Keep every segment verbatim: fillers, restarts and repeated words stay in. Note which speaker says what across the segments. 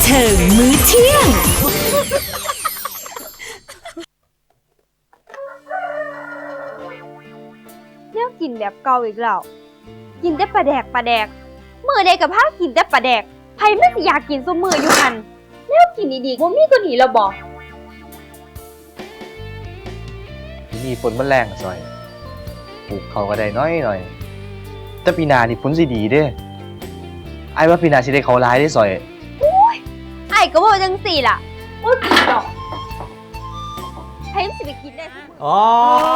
Speaker 1: เชิงมื้อเที่ยง
Speaker 2: เนี่ยกินแบบเก่าอีกแล้วกินแต่ปลาแดกปลาแดกมือใดกับผ้ากินแต่ปลาแดกไผไม่อยากกินซุมืออยู่หันแล้วกินดีๆว่ามีตัวนี้เราบอก
Speaker 3: ที่นี่ฝนมันแรงอะซอยปลูกเขาก็ได้น้อยหน่อยแต่ปีหน้านี่ฝนสิดีเด้ไอ้ว่าปีหน้าสิได้เขาหลายได้ซอย
Speaker 2: ไอ้ก็บอกจังสี่ล่ะว่ากินดอกไผมันสิไปกินได้ซุมื้อ
Speaker 4: อ๋อ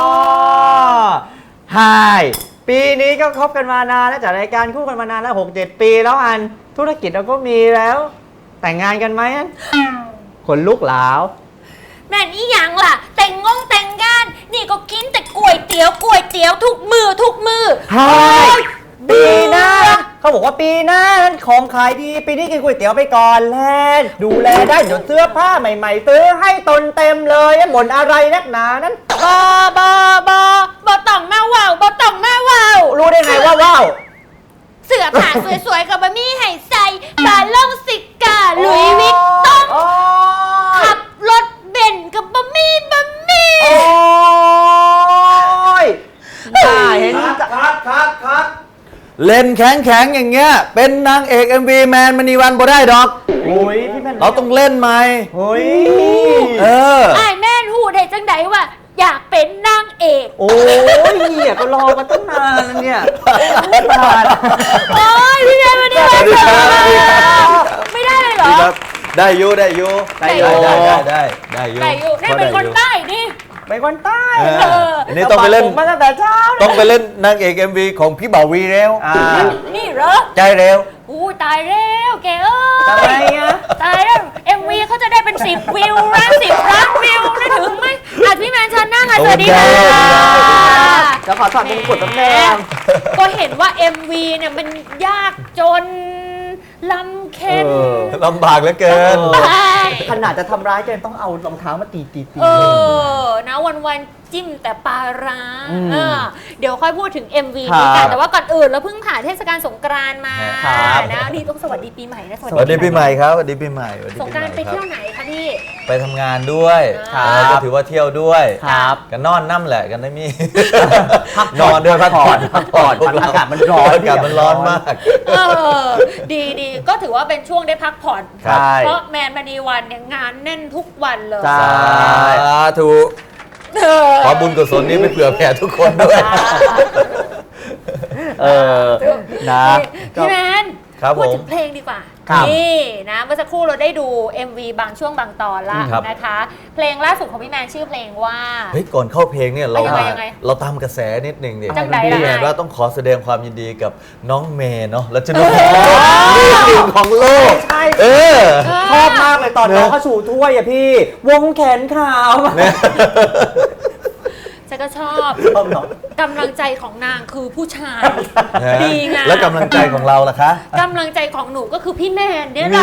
Speaker 4: ไฮปีนี้ก็คบกันมานานแล้วจัดรายการคู่กันมานานแล้วหกเจ็ดปีแล้วอันธุรกิจเราก็มีแล้ว แต่งงานกันไหมอันคนลุกหลาว
Speaker 5: แม่นอีหยังล่ะ แต่งงงแต่งงาน นี่ก็กินแต่ก๋วยเตี๋ยวก๋วยเตี๋ยวทุกมือทุกมือ
Speaker 4: ไฮปีหน้าเขาบอกว่าปีหน้านั้นของขายดีปีนี้กินก๋วยเตี๋ยวไปก่อนแลนดูแลได้เดี๋ยวเสื้อผ้าใหม่ๆซื้อให้ตนเต็มเลยบ่นอะไรนักหนานั้น
Speaker 5: บอบอบอบอต้องมาว่าวบอต้องมาว่าว
Speaker 4: รู้ได้ไงว่าว้าว
Speaker 5: เสื้อผ้าสวยๆกับบะมี่ไห่ใส่บาล่องสิกาหลุยส์วิกตองขับรถเบนซ์กับบะมี่บะมี่
Speaker 4: โอ้ยน่าเห็น
Speaker 6: คัดคัดคัดคัด
Speaker 7: เล่นแข็งแข็งๆอย่างเงี้ยเป็นนางเอก เอ็ม วี แมนมณีวันบ่ได้ดอก
Speaker 4: โอ้ยพี่แม่น
Speaker 7: เราต้องเล่นไหม
Speaker 4: โอ้ย
Speaker 7: เออ
Speaker 5: ไอ้ายแม่นหูได้จังไดว่าอยากเป็นนางเอก
Speaker 4: โอ้ยเนี่ยก็รอกันตั้งนานแล้วเนี่ยนาน
Speaker 5: โอ้ยพี่แม่วันนี้มาเจอไม่ได้เลยเหรอ
Speaker 7: ได้อยูได้อยู
Speaker 5: ได้อยู่
Speaker 7: ได้ได้ได้ได้อยู
Speaker 5: แต่อยู่นี่เป็นคนใต้นี่
Speaker 4: ไปคนใต้
Speaker 7: เอ
Speaker 5: เอ
Speaker 7: อ
Speaker 5: อ
Speaker 7: อันนี้ต้องไปเล่น
Speaker 4: ผมมาตั้งแต่เช้า
Speaker 7: ต้องไปเล่นนางเอก เอ็ม วี ของพี่บ่าววีแล้ว
Speaker 4: อ่า
Speaker 5: นี่เหรอ
Speaker 7: ใจเร็ว
Speaker 5: อู้ตายแล้วแกเอ้
Speaker 4: ทำไม
Speaker 5: ย
Speaker 4: อ่ะ
Speaker 5: ตายแล้ว เอ็ม วี เขาจะได้เป็นสิบวิวนะสิบล้านวิวนะถึงไหมอาจพี่แมนชันนั่งอ่ะสวัสดีค่ะ
Speaker 4: จะขอถอดมงกุฎตำแหน่ง
Speaker 5: ก็เห็นว่า เอ็ม วี เนี่ยมันยากจนลำเค็ญ
Speaker 4: เออ
Speaker 7: ลำบากเหลือเกิน
Speaker 5: ไป
Speaker 4: ขนาดจะทำร้ายกันต้องเอารองเท้ามาตีตีตี
Speaker 5: เออ นะวันวันๆจิ้มแต่ปลาร้า
Speaker 4: อืม
Speaker 5: เออเดี๋ยวค่อยพูดถึง เอ็ม วี
Speaker 4: ครับ
Speaker 5: นี้กัน แต่ว่าก่อนอื่นเราเพิ่งผ่านเทศกาลสงกรานต์มา
Speaker 4: ครับ
Speaker 5: นะนี่ต้องสวัสดีปีใหม่นะ
Speaker 7: สวัสดีปีใหม่ครับสวัสดีปีใหม่สวัสดี
Speaker 5: สง
Speaker 7: ปี
Speaker 5: ก
Speaker 7: ให
Speaker 5: ราน
Speaker 7: ม่
Speaker 5: ต์ไป
Speaker 7: ครั
Speaker 5: เที่ยว
Speaker 7: บ
Speaker 5: ไหนคะพี่
Speaker 7: ไปทำงานด้วย
Speaker 5: ครับ
Speaker 7: เออก็ถือว่าเที่ยวด้วย
Speaker 4: ครับ
Speaker 7: กันนอนน้ำแหละกันได้มี
Speaker 4: พัก
Speaker 7: นอนด้วยพักผ่อน
Speaker 4: พักผ่อนอากาศมันร้อน
Speaker 7: อากาศมันร้อนมาก
Speaker 5: เออ ดีดีก็ถือว่าเป็นช่วงได้พักผ่อน
Speaker 7: ครับ
Speaker 5: เพราะแมนมณีวันเนี่ยงานแน่นทุกวันเลย
Speaker 4: ใช่
Speaker 7: สาธุ
Speaker 5: เออ
Speaker 7: ขอบุญกุศลนี้ไปเผื่อแผ่ทุกคนด้วย
Speaker 4: เออนะ
Speaker 5: พี่แมน
Speaker 7: ครับ
Speaker 5: พูด
Speaker 7: ผม
Speaker 5: ถึงเพลงดีกว่า
Speaker 4: ครับ
Speaker 5: นี่นะเมื่อสักครู่เราได้ดู เอ็ม วี บางช่วงบางตอนละ
Speaker 7: ครับ
Speaker 5: นะคะ เพลงล่าสุดของพี่แมนชื่อเพลงว่า
Speaker 7: เฮ้ยก่อนเข้าเพลงเนี่ยเรา
Speaker 5: ยังไง
Speaker 7: มา
Speaker 5: ยังไง
Speaker 7: เราตามกระแสนิดหนึ่งดิ
Speaker 5: จังใดล่ะ
Speaker 7: พี่แมน
Speaker 5: นาย
Speaker 7: ว่าต้องขอแสดงความยินดีกับน้องเมย์เนาะแล้วจะนุ่มนี่หนึ่งของโลก
Speaker 4: ใช่
Speaker 7: เออ
Speaker 4: ชอบมากเลยตอนน้องเขาชูถ้วยอะพี่ วงแขนขาว
Speaker 5: ฉันก็ชอบ
Speaker 4: ชอบเนาะ
Speaker 5: กำลังใจของนางคือผู้ชาย
Speaker 7: นะ
Speaker 5: ดีงาม
Speaker 7: แล้วกำลังใจของเราล่ะคะ
Speaker 5: กำลังใจของหนูก็คือพี่แมนเนี่ย
Speaker 7: นี่
Speaker 5: นะ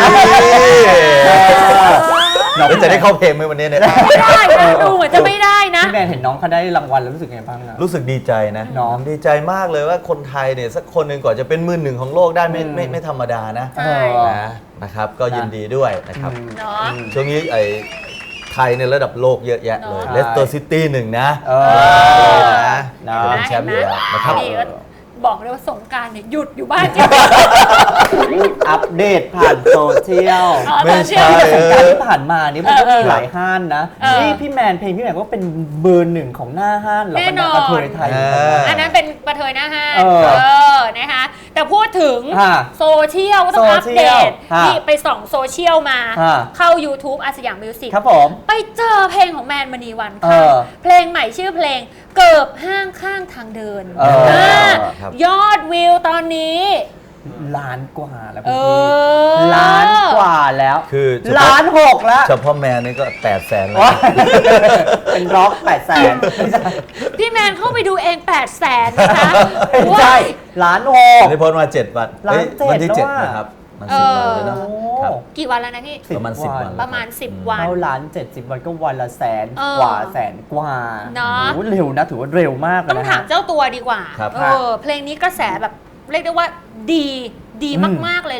Speaker 7: เราจะได้เข้าเพลงไหมวันนี้เนี่ย
Speaker 5: ไม่ได้นะดูเหมือนจะไม่ได้นะ
Speaker 4: พี่แมนเห็นน้องเขาได้รางวัลแล้วรู้สึกไงบ้างอะ
Speaker 7: รู้สึกดีใจนะ
Speaker 4: เนาะ
Speaker 7: ดีใจมากเลยว่าคนไทยเนี่ยสักคนหนึ่งก่อนจะเป็นมือหนึ่งของโลกได้ไม่ไม่ไม่ธรรมดานะ
Speaker 5: ใช่
Speaker 7: นะนะครับ ก็ยินดีด้วยนะครับ
Speaker 5: เนาะ
Speaker 7: ช่วงนี้ไอ้ไทยในระดับโลกเยอะแยะเลย
Speaker 5: เนอะ
Speaker 7: เลสเตอร์ซิตี้หนึ่งนะ
Speaker 4: เอ
Speaker 5: เอ
Speaker 4: อ
Speaker 5: อ
Speaker 7: นะ
Speaker 4: นะ
Speaker 7: เป็นแชมป์อยู่แล้วนะครับ
Speaker 5: นี่ก็บอกเลยว่าสงกรารเนี่ยหยุดอยู่บ้านจริง
Speaker 4: อัปเดตผ่านโซเชียล
Speaker 5: อ๋อ
Speaker 7: ไม่
Speaker 5: ตอนเชื่อ
Speaker 7: ใช่
Speaker 4: แต่สงกรารที่ผ่านมานี่มันก็
Speaker 5: เออ
Speaker 4: มีหลายห้านนะ
Speaker 5: เออ
Speaker 4: นี่พี่แมนเพลงพี่แมนก็เป็นเบอร์หนึ่งของหน้าห้านเหรอ
Speaker 5: แน่นอน
Speaker 4: กระเทยไทย
Speaker 7: เออ
Speaker 5: อันนั้นเป็นประเทยหน้าห้าง
Speaker 4: เออ
Speaker 5: เออนะคะแต่พูดถึง
Speaker 4: ฮะ
Speaker 5: โซเชียลก็ต้องอัปเดต
Speaker 4: ฮะ
Speaker 5: นี่ไปส่องโซเชียลมา
Speaker 4: ฮะ
Speaker 5: เข้า YouTube อาสยามมิวสิก
Speaker 4: ครับผม
Speaker 5: ไปเจอเพลงของแมนมณีวัน
Speaker 4: เอ
Speaker 5: ค่ะ
Speaker 4: อ
Speaker 5: เพลงใหม่ชื่อเพลงเกิบห้างข้างทางเดิน
Speaker 4: เออ
Speaker 5: อ่า
Speaker 7: ครับ
Speaker 5: ยอดวิวตอนนี้
Speaker 4: ล้านกว่าแล้ว
Speaker 5: เอ
Speaker 4: พี่
Speaker 5: อ
Speaker 4: ล้านกว่าแล้ว
Speaker 7: คือเฉพาะ
Speaker 4: ล้านหกแล้ว
Speaker 7: เฉพาะแมนนี่ก็แปดแสนแล้ว
Speaker 4: ว้ายเป็นร็อกแปดแสนไม่ใช่
Speaker 5: พี่แมนเข้าไปดูเองแปดแสนนะคะ
Speaker 4: ไม่ใช่ล้านหก
Speaker 7: นี่พ้นมาเจ็ดวัน
Speaker 4: ล้าน
Speaker 7: อ้ย
Speaker 4: เจ็ด
Speaker 7: วันที่เจ็ด
Speaker 4: แล้วอะ
Speaker 7: นะครับมันสิบวันเลยเนาะ
Speaker 4: โอ้
Speaker 7: ครับ
Speaker 5: กี่วันแล้วนะพี่
Speaker 7: ประมาณสิบวัน
Speaker 5: ประมาณสิบ
Speaker 7: อื
Speaker 5: วัน
Speaker 4: เข้าล้านเจ็ดสิบวันก็วันละแสน
Speaker 5: เออ
Speaker 4: กว่าแสนกว่า
Speaker 5: เนอะ
Speaker 4: โอ้โหเร็วนะถือว่าเร็วมากเลย
Speaker 5: ต้อง
Speaker 4: นะ
Speaker 5: ถามเจ้าตัวดีกว่า
Speaker 7: ครับ
Speaker 5: เออเพลงนี้กระแสแบบเรียกได้ว่าดีดี
Speaker 4: อืม
Speaker 5: มากๆเลยแหละ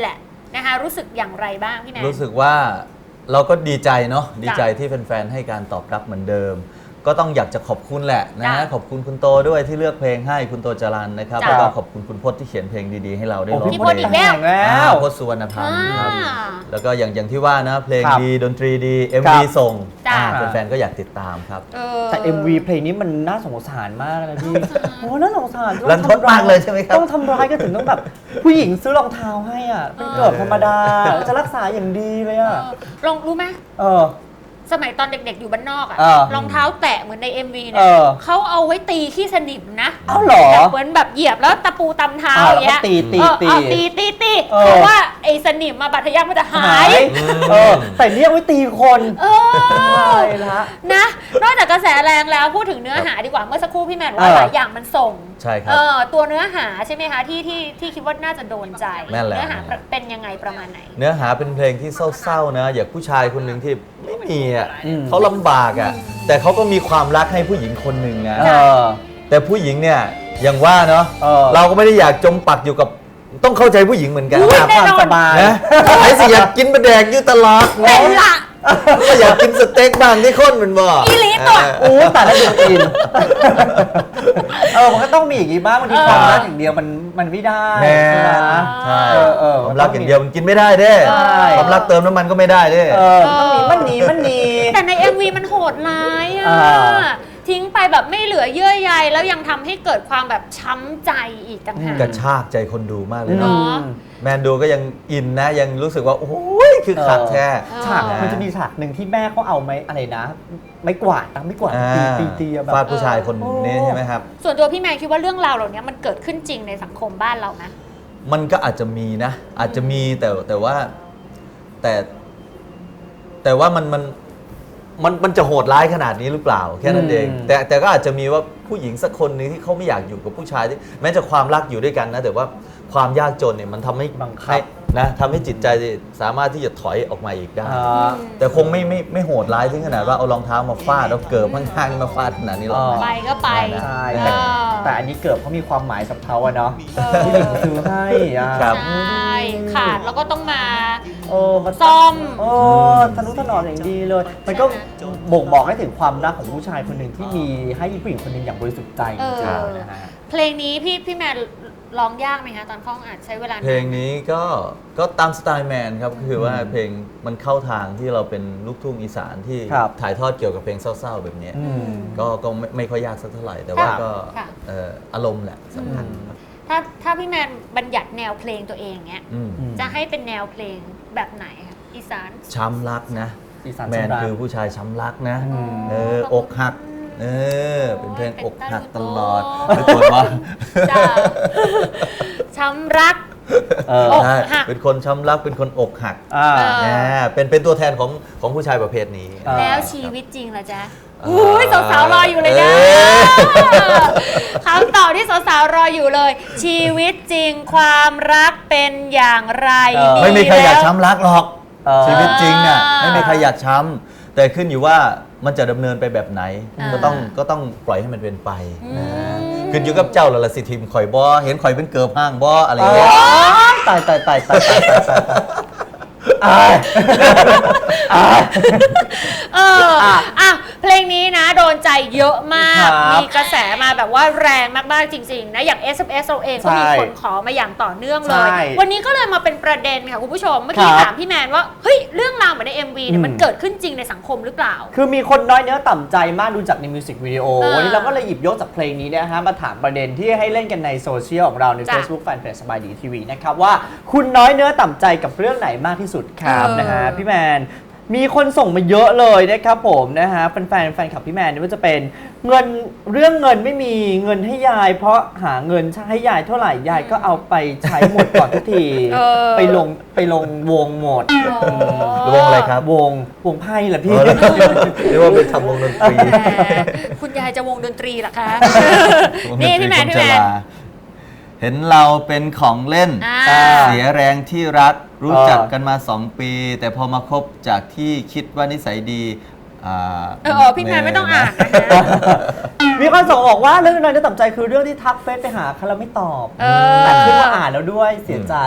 Speaker 5: นะคะรู้สึกอย่างไรบ้างพี่แมน
Speaker 7: รู้สึกว่าเราก็ดีใจเนาะดี
Speaker 5: จ้ะ
Speaker 7: ใจที่แฟนๆให้การตอบรับเหมือนเดิม ก็ต้องอยากจะขอบคุณแหละนะ
Speaker 5: จ้ะ
Speaker 7: ขอบคุณคุณโตด้วยที่เลือกเพลงให้คุณโตจรันนะครับ
Speaker 5: จ้ะ
Speaker 7: แล้วก็ขอบคุณคุณพจน์ที่เขียนเพลงดีๆให้เราได้
Speaker 4: โอ้
Speaker 7: ร้อง
Speaker 5: พี่พจน์อีกแล้ว
Speaker 4: แล้
Speaker 7: อ่าว พจน์สุวรรณพันธ์ครับ
Speaker 5: อ่า
Speaker 7: แล้วก็อย่างอย่างที่ว่านะเพลง
Speaker 4: ครับ
Speaker 7: ดีดนตรีดี เอ็ม
Speaker 4: ครั
Speaker 7: วี
Speaker 4: บ
Speaker 7: ส่ง
Speaker 5: จ้ะ
Speaker 7: อ่าแฟนๆก็อยากติดตามครับ
Speaker 5: เออ
Speaker 4: แต่ เอ็ม วี เพลงนี้มันน่าสงสารมากนะพี่ โอ้น่าสงสาร
Speaker 7: รันทดมากเลยใช่ไหมครับ
Speaker 4: ต้องทำร้ายกันถึงต้องแบบ ผู้หญิงซื้อรองเท้าให้อ่ะ เป็นเกือบธรรมดา จะรักษาอย่างดีเลยอ่ะ
Speaker 5: เออลองรู้ไหม
Speaker 4: เออ
Speaker 5: สมัยตอนเด็กๆอยู่บ้านนอกอะ
Speaker 4: เออ
Speaker 5: รองเท้าแตะเหมือนใน เอ็ม วี
Speaker 4: เอ
Speaker 5: เนี่ย
Speaker 4: อ
Speaker 5: เขาเอาไว้ตีขี้สนิมนะ
Speaker 4: อ้าวเหรอ
Speaker 5: แบบเหมือนแบบเหยียบแล้วตะปูตำเท้า
Speaker 4: อ่า
Speaker 5: อย่างเงี้ย
Speaker 4: แล้วก็ตีตี
Speaker 5: เออ
Speaker 4: ตี
Speaker 5: เอาตีตีตี
Speaker 4: เออ
Speaker 5: เพราะว่าไอ้สนิมมาบาดทะยักมันจะหา
Speaker 4: หาย ยเออ แต่เนี่ยเอาไว้ตีคน
Speaker 5: เอ
Speaker 4: ใช่
Speaker 5: อ
Speaker 4: ละ
Speaker 5: นะ นอกจากกระแสแรงแล้วพูดถึงเนื้อหาดีกว่าเมื่อสักครู่พี่แมนบอกว่า
Speaker 4: เออ
Speaker 5: หลายอย่างมันส่ง
Speaker 7: ใช่ครับ
Speaker 5: เออตัวเนื้อหาใช่ไหมคะที่ที่ที่คิดว่าน่าจะโดนใจ
Speaker 7: แม่นแล้ว
Speaker 5: เนื้อหาเป็นยังไงประมาณไหน
Speaker 7: เนื้อหาเป็นเพลงที่เศร้าๆนะ อย่างผู้ชายคนหนึ่งที่ไม่มีอ่ะ
Speaker 4: อืม
Speaker 7: เขาลำบากอ่ะแต่เขาก็มีความรักให้ผู้หญิงคนหนึ่งนะ
Speaker 4: เออ
Speaker 7: แต่ผู้หญิงเนี่ยอย่างว่าเนาะ
Speaker 4: เออ
Speaker 7: เราก็ไม่ได้อยากจมปักอยู่กับต้องเข้าใจผู้หญิงเหมือนกัน
Speaker 5: อุ๊ย
Speaker 4: หาความสบาย
Speaker 7: นะไอ้สิอยากกินปลาแดกอยู่ตลอด
Speaker 5: เป็นละ
Speaker 7: ก็อยากกินสเต็กบ้างที่คนมันบอก
Speaker 5: อีหลีตัว
Speaker 4: โอ้แต่ละดูอิน เออ มันก็ต้องมีอย่างนี้บ้างบางที
Speaker 5: เออ
Speaker 4: ความรักอย่างเดียวมันมันไม่ได้
Speaker 7: แม่
Speaker 4: ใช่ไหม
Speaker 7: ใช่
Speaker 4: เออเออ
Speaker 7: ความรักอย่างเดียวมันกินไม่ได้เด้
Speaker 4: ใช่
Speaker 7: ความรักเติมน้ำมันก็ไม่ได้เด้
Speaker 4: เออต้องมีมันหนีมันหนี
Speaker 5: แต่ใน เอ็ม วี มันโหดร้ายอ่ะ
Speaker 4: อ่า
Speaker 5: ทิ้งไปแบบไม่เหลือเยื่อใยแล้วยังทำให้เกิดความแบบช้ำใจอีกต่างหาก
Speaker 7: กระชากใจคนดูมากเลย
Speaker 5: เน
Speaker 7: เนาะ
Speaker 5: อะ
Speaker 7: แมนดูก็ยังอินนะ ยังรู้สึกว่า โอ้ยคือขาดแท้
Speaker 5: เออ
Speaker 4: ฉากมันจะมีฉากหนึ่งที่แม่เขาเอาไม้อะไรนะ ไม้กวาดนะไม้กวาดตีตีตีอะแบบ
Speaker 7: ฟาดผู้ชายคนนี้ใช่ไหมครับ
Speaker 5: ส่วนตัวพี่แมนคิดว่าเรื่องราวเหล่านี้มันเกิดขึ้นจริงในสังคมบ้านเราไหม
Speaker 7: มันก็อาจจะมีนะ อาจจะมีแต่แต่ว่าแต่ แต่ว่ามันมันมันมันจะโหดร้ายขนาดนี้หรือเปล่าแค่นั้นเอง
Speaker 4: อืม
Speaker 7: แต่แต่ก็อาจจะมีว่าผู้หญิงสักคนหนึงที่เขาไม่อยากอยู่กับผู้ชายที่แม้จะความรักอยู่ด้วยกันนะ แต่ว่าความยากจนเนี่ยมันทำให้
Speaker 4: บังคับ
Speaker 7: ให้นะทำให้จิตใจสามารถที่จะถอยออกมาอีกได้
Speaker 4: อ่า
Speaker 7: แต่คงไม่ไม่ไม่โหดร้ายถึงขนาดว่าเอารองเท้ามาฟาดเอาเกิบข้างๆมาฟาดขนาดนี้หรอก
Speaker 4: อ๋อ
Speaker 5: ไปก็ไป
Speaker 7: นะ
Speaker 4: ใช่
Speaker 5: เอ
Speaker 4: แต่
Speaker 5: อ
Speaker 4: แต่อันนี้เกิดเขามีความหมายกับเขาอะเนาะ
Speaker 5: เออ
Speaker 4: ที่หลิงซื้อให้อะ
Speaker 7: ครับ
Speaker 5: ใช่ขาดแล้วก็ต้องมา
Speaker 4: เออมา
Speaker 5: ซ่อม
Speaker 4: เออทะนุถนอมอย่างดีเลย มันก็บ่งบอกให้ถึงความรักของผู้ชายคนหนึ่งที่มีให้ผู้หญิงคนหนึ่งอย่างบริสุทธิ์ใจจริงๆนะฮะ
Speaker 5: เพลงนี้พี่พี่แมนร้องยากไหมคะตอนเข้าห้องอัดใช้เวลา
Speaker 7: เพลงนี้ก็ก็ตามสไตล์แมนครับคือว่าเพลงมันเข้าทางที่เราเป็นลูกทุ่งอีสานที่
Speaker 4: ครับ
Speaker 7: ถ่ายทอดเกี่ยวกับเพลงเศร้าๆแบบนี้
Speaker 4: อืม
Speaker 7: ก็ก็ไม่ไม่ค่อยยากสักเท่าไหร่ แต่ว่าก็
Speaker 5: ค่ะ
Speaker 7: เอ่ออารมณ์แหละสำคัญครับ
Speaker 5: ถ้าถ้าพี่แมนบัญญัติแนวเพลงตัวเองเนี้ย
Speaker 7: อืม
Speaker 5: จะให้เป็นแนวเพลงแบบไหนคะอีสาน
Speaker 7: ช้ำรักนะ
Speaker 4: อีสาน
Speaker 7: แมน
Speaker 4: ช้ำรัก
Speaker 7: คือผู้ชายช้ำรักนะ
Speaker 4: อืม
Speaker 7: เอออกหักเออเป็นเพลงอกหักตลอด
Speaker 5: โอ้
Speaker 7: ไม่ควรว่า
Speaker 5: จ้าช้ำรัก
Speaker 4: เออ
Speaker 5: อก
Speaker 7: ใช่
Speaker 5: หัก
Speaker 7: เป็นคนช้ำรักเป็นคนอกหัก
Speaker 4: อ่า
Speaker 5: เออ
Speaker 7: นะเป็นเป็นตัวแทนของของผู้ชายประเภทนี้
Speaker 4: อ่า
Speaker 5: แล้วชีวิตจริงล่ะจ๊ะ
Speaker 7: เออ
Speaker 5: อุ้ยสาวๆรออยู่เลยนะ
Speaker 7: เอ้ย
Speaker 5: คำตอบที่สาวๆรออยู่เลย ชีวิตจริงความรักเป็นอย่างไร
Speaker 4: เออ
Speaker 7: ไม่มีใครอยาก
Speaker 5: แล้ว
Speaker 7: ช้ำรักหรอก
Speaker 4: เออ
Speaker 7: ชีวิตจริงน่ะ
Speaker 5: อ่า
Speaker 7: ไม่มีใครอยากช้ำแต่ขึ้นอยู่ว่ามันจะดำเนินไปแบบไหน
Speaker 5: อ่า
Speaker 7: ก็ต้องก็ต้องปล่อยให้มันเป็นไป
Speaker 5: อืม
Speaker 7: นะขึ้นอยู่กับเจ้าละละสิทีมข่อยบอเห็นข่อยเป็นเกิบห้างบออะไร
Speaker 4: อ๋อ
Speaker 7: เงี้ย
Speaker 4: ตายตายตายตายตายตายตายอายอาย
Speaker 5: เอออ่ะเพลงนี้นะโดนใจเยอะมาก
Speaker 4: ครับ
Speaker 5: มีกระแสมาแบบว่าแรงมากๆจริงๆนะ อย่าง เอส เอ็ม เอส เราเองก็มี
Speaker 4: ใช่
Speaker 5: คนขอมาอย่างต่อเนื่องเลย
Speaker 4: ใช่
Speaker 5: วันนี้ก็เลยมาเป็นประเด็นค่ะคุณผู้ชม เมื่อกี้
Speaker 4: ครับ
Speaker 5: ถามพี่แมนว่า เฮ้ย เรื่องราวเหมือนใน เอ็ม วี เนี่ย
Speaker 4: อืม
Speaker 5: มันเกิดขึ้นจริงในสังคมหรือเปล่า
Speaker 4: คือมีคนน้อยเนื้อต่ำใจมากดูจากในมิวสิกวิดีโอ
Speaker 5: เออ
Speaker 4: วันนี้เราก็เลยหยิบยกจากเพลงนี้นะฮะมาถามประเด็นที่ให้เล่นกันในโซเชียลของเราใน
Speaker 5: จ้ะ
Speaker 4: Facebook Fanpage สบายดีทีวีนะครับว่าคุณน้อยเนื้อต่ำใจกับเรื่องไหนมากที่สุดครับ
Speaker 5: เออ
Speaker 4: นะฮะพี่แมนมีคนส่งมาเยอะเลยนะครับผมนะฮะแฟนๆแฟนคลับพี่แมนนี่ว่าจะเป็นเงินเรื่องเงินไม่มีเงินให้ยาย เพราะหาเงินให้ยายเท่าไหร่ยายก็เอาไปใช้หมดก่อนทุกที
Speaker 5: เออ
Speaker 4: ไปลงไปลงวงหมด
Speaker 7: หรือวงอะไรครับ
Speaker 4: วงวงไพ่แหละพี่
Speaker 7: เออแล้วเรียกว่าเป็นทำวงดนตรี
Speaker 5: แหมคุณยายจะวงดนตรีเหรอคะ
Speaker 7: วงด
Speaker 5: นี่
Speaker 7: ตรี
Speaker 5: พี่แมน
Speaker 7: ค
Speaker 5: พี่
Speaker 7: ช
Speaker 5: แมน
Speaker 7: ราเห็นเราเป็นของเล่น
Speaker 5: อ่า
Speaker 7: เสียแรงที่รักรู้
Speaker 4: เออ
Speaker 7: จักกันมาสองปี แต่พอมาคบจากที่คิดว่านิสัยดีอ่า
Speaker 5: เออเออพี่แมนไม่ต้องอ่านนะคะ
Speaker 4: มีคนส่งบอกว่าเรื่องน้อยเนื้อต่ำใจคือเรื่องที่ทักเฟซไปหาเขาแล้วไม่ตอบ
Speaker 5: เออ
Speaker 4: แต่ขึ้นมาอ่านแล้วด้วยเสียใจ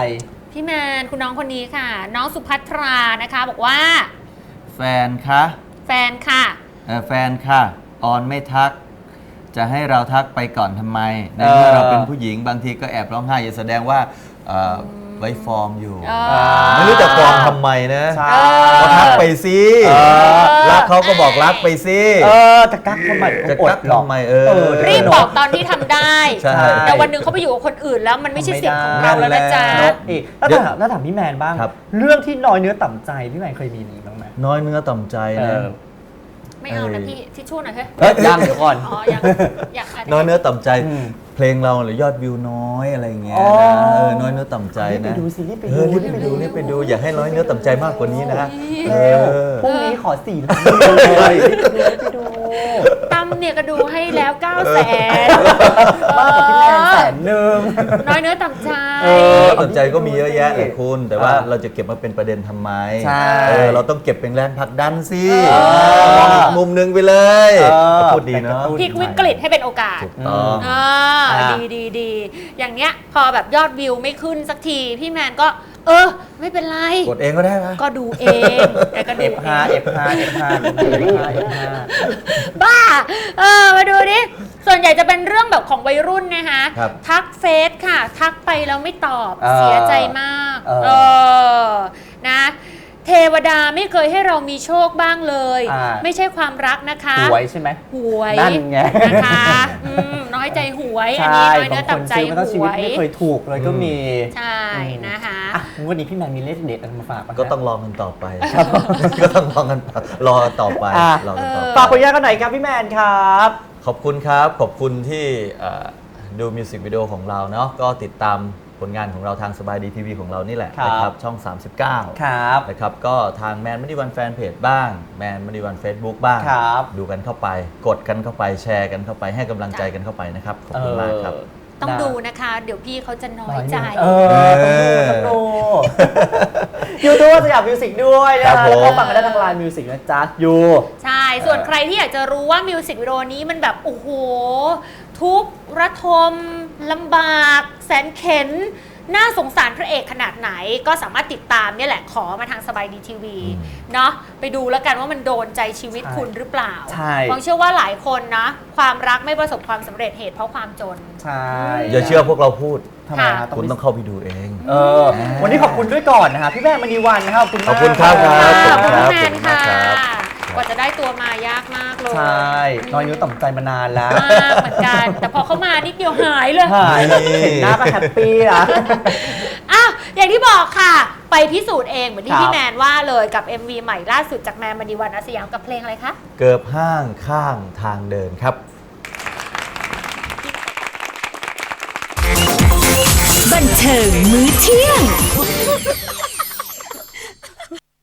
Speaker 5: พี่แมนคุณน้องคนนี้ค่ะ น้องสุภัทรานะคะ บอกว่า
Speaker 7: แฟนคะ
Speaker 5: แฟนค่ะ
Speaker 7: เอ่อแฟนค่ะออนไม่ทัก จะให้เราทักไปก่อนทำไมในเมื่อเราเป็นผู้หญิงบางทีก็แอบร้องไห้อย่าแสดงว่าเอ่อไว้ฟอร์มอยู่
Speaker 5: เออ
Speaker 7: ไม่รู้จะฟอร์มทำไมนะ
Speaker 4: ใช่
Speaker 7: ก็ทักไปสิ
Speaker 4: เออ
Speaker 7: รักเขาก็บอกรักไปสิ
Speaker 4: เออจะกักทำไม
Speaker 7: จะ
Speaker 4: อด
Speaker 7: กัก
Speaker 4: หรอก
Speaker 7: ทำไมเออ
Speaker 4: เออ
Speaker 5: รีบบอกตอนที่ทำได้
Speaker 7: ใช่
Speaker 5: แต่วันหนึ่งเขาไปอยู่กับคนอื่นแล้วมันไม่ใช่สิทธิ์ของเราแล้วนะจ๊ะ
Speaker 7: นั่นแหละ
Speaker 4: อีกแล้วถามแล้วถามพี่แมนบ้าง
Speaker 7: ครับ
Speaker 4: เรื่องที่น้อยเนื้อต่ำใจพี่แมนเคยมีนี้บ้างไหม
Speaker 7: น้อยเนื้อต่ำใจ
Speaker 4: เอ
Speaker 7: นะ
Speaker 4: อ
Speaker 5: ไม่เอานะ
Speaker 7: เออ
Speaker 5: พี่ทิชชู่หน่อยเฮ้ย
Speaker 4: เอ้ยยังเดี๋ยวก่อน
Speaker 5: อ๋อยังอยากะไร
Speaker 7: น้อยเนื้อต่ำใจ
Speaker 4: อืม
Speaker 7: เพลงเราหรือยอดวิวน้อยอะไรอย่างเงี้ย
Speaker 4: อ๋อ
Speaker 7: นะเออน้อยเนื้อต่ำใจ
Speaker 4: รีบไป
Speaker 7: นะ
Speaker 4: ดูสิรีบไป
Speaker 7: เอ
Speaker 4: ดู
Speaker 7: อรีบไปดูรีบไปดูอย่าให้น้อยเนื้อต่ำใจมากกว่านี้นะเอ
Speaker 4: เร็ว
Speaker 7: อ
Speaker 4: พรุ่งนี้ขอสี่ล้านเลยรีบไปดูรีบไปดู
Speaker 5: ตั้มเนี่ยก็ดูให้แล้วเก้าแสน
Speaker 4: มากกว่าพี่แมนแสนหนึ่ง
Speaker 5: น้อยเนื้อต่ำใจ
Speaker 4: เออ
Speaker 7: สนใจก็มีเยอะแยะแหละคุณ แต่ว่า
Speaker 4: อ่า
Speaker 7: เราจะเก็บมาเป็นประเด็นทำไม
Speaker 4: ใช่
Speaker 7: เออเราต้องเก็บเป็นแรงผลักดันสิ
Speaker 4: เออ
Speaker 7: มองอีกมุมนึงไปเลย
Speaker 4: เออ
Speaker 7: พูดดีเนาะ
Speaker 5: พลิกวิกฤตให้เป็นโอกาส
Speaker 7: ถูกต้อง
Speaker 5: อ่า
Speaker 4: อ่า
Speaker 5: ดีดีดีอย่างเนี้ยพอแบบยอดวิวไม่ขึ้นสักที พี่แมนก็ เออ ไม่เป็นไร
Speaker 7: กดเองก็ได้ปะ
Speaker 5: ก็ดูเองแต่ก็ดู
Speaker 4: เอฟ
Speaker 5: เอ
Speaker 4: ห้าง เอฟห้าเอฟห้าเอฟห้าเอฟห้า
Speaker 5: บ้า เออ มาดูดิ ส่วนใหญ่จะเป็นเรื่องแบบของวัยรุ่นนะคะ
Speaker 7: ครับ
Speaker 5: ทักเฟซค่ะ ทักไปแล้วไม่ตอบ
Speaker 4: เออ
Speaker 5: เสียใจมาก
Speaker 4: เออ
Speaker 5: เออ นะ เทวดาไม่เคยให้เรามีโชคบ้างเลย
Speaker 4: อ่า
Speaker 5: ไม่ใช่ความรักนะคะ
Speaker 4: หวยใช่ไหม
Speaker 5: หวย
Speaker 4: นั่นไง
Speaker 5: นะคะอืมน้อยใจหวย อันนี้
Speaker 4: ใช่
Speaker 5: น้อยเนื้อต่ำใจ
Speaker 4: บางคนซื้อมาทั้งชี
Speaker 5: ห
Speaker 4: วิต
Speaker 5: วย
Speaker 4: ไม่เคยถูกเลยก็มี
Speaker 5: ใช่นะคะ
Speaker 4: อ่ะวันนี้พี่แมนมีเลขเด็ดอะไรมาฝากปะ
Speaker 7: ก็ต้องลองกันต่อไป ก็ต้องลองกันรอต่อไป
Speaker 4: อ่ะ
Speaker 7: รอกันต่อไป
Speaker 4: ฝากผลงานกันหน่อยครับพี่แมนครับ
Speaker 7: ขอบคุณครับ ขอบคุณที่เอ่อดูมิวสิกวิดีโอของเราเนาะก็ติดตามผลงานของเราทางสบายดีทีวีของเรานี่แหละ
Speaker 4: ครับ
Speaker 7: นะครับช่อง สามสิบเก้า
Speaker 4: ครับ
Speaker 7: นะครับก็ทางแมนมณีวันแฟนเพจบ้างแมนมณีวัน Facebook บ้าง
Speaker 4: ครับ
Speaker 7: ดูกันเข้าไป กดกันเข้าไปแชร์กันเข้าไปให้กำลังใจกันเข้าไปนะครับ ขอบคุณมากครับ
Speaker 5: ต้องดูนะคะ เดี๋ยวพี่เขาจะน้อยใจ
Speaker 4: เออต้องดูยูทูบสยามมิวสิกด้วยนะ
Speaker 7: ครั
Speaker 4: คะ
Speaker 7: บผม
Speaker 4: แล้วก็ฟังกันได้ทางไลน์มิวสิกนะจ๊ะยู
Speaker 5: ใช่ ส่วนใครที่อยากจะรู้ว่ามิวสิกวิดีโอนี้มันแบบ โอ้โห ทุกข์ระทมลำบาก แสนเข็น น่าสงสารพระเอกขนาดไหน ก็สามารถติดตามเนี่ยแหละขอมาทางสบายดีทีวีเนาะไปดูแล้วกันว่ามันโดนใจชีวิต
Speaker 4: ใช่
Speaker 5: คุณหรือเปล่า
Speaker 4: ใช่
Speaker 5: ฟองเชื่อว่าหลายคนนะ ความรักไม่ประสบความสำเร็จเหตุเพราะความจน
Speaker 4: ใช่
Speaker 7: อย่าเชื่อพวกเราพูด
Speaker 4: ทำไมฮะ
Speaker 7: คุณ
Speaker 4: ไป
Speaker 7: ต้องเข้าไปดูเอง
Speaker 4: เออ วันนี้ขอบคุณด้วยก่อนนะคะพี่แม่มณีวันนะครับขอบคุณ
Speaker 7: ข
Speaker 4: มาก
Speaker 7: อบคุณครับ
Speaker 5: ขอบ
Speaker 7: ขอบคุ
Speaker 5: คุณ
Speaker 7: ณครับ
Speaker 5: แมนค่ะ
Speaker 7: ขอบคุณมากครับ
Speaker 5: กว่าจะได้ตัวมายากมากเลย
Speaker 4: ใช่น้อยนิ้วต่ำใจมานานแล้ว
Speaker 5: มากเหมือนกัน แต่พอเขามานิดเดียวหายเลย
Speaker 4: หายแล้วเห็นหน้าก็แฮปปี้นะ
Speaker 5: อ้าวอย่างที่บอกค่ะ ไปพิสูจน์เองเหมือนที่
Speaker 4: ครับ
Speaker 5: พี่แมนว่าเลยกับ เอ็ม วี ใหม่ล่าสุดจากแมนมณีวันอาสยามกับเพลงอะไรคะ
Speaker 7: เกิบห้างข้างทางเดินครับ
Speaker 1: บันเทิงมื้อเที่ยง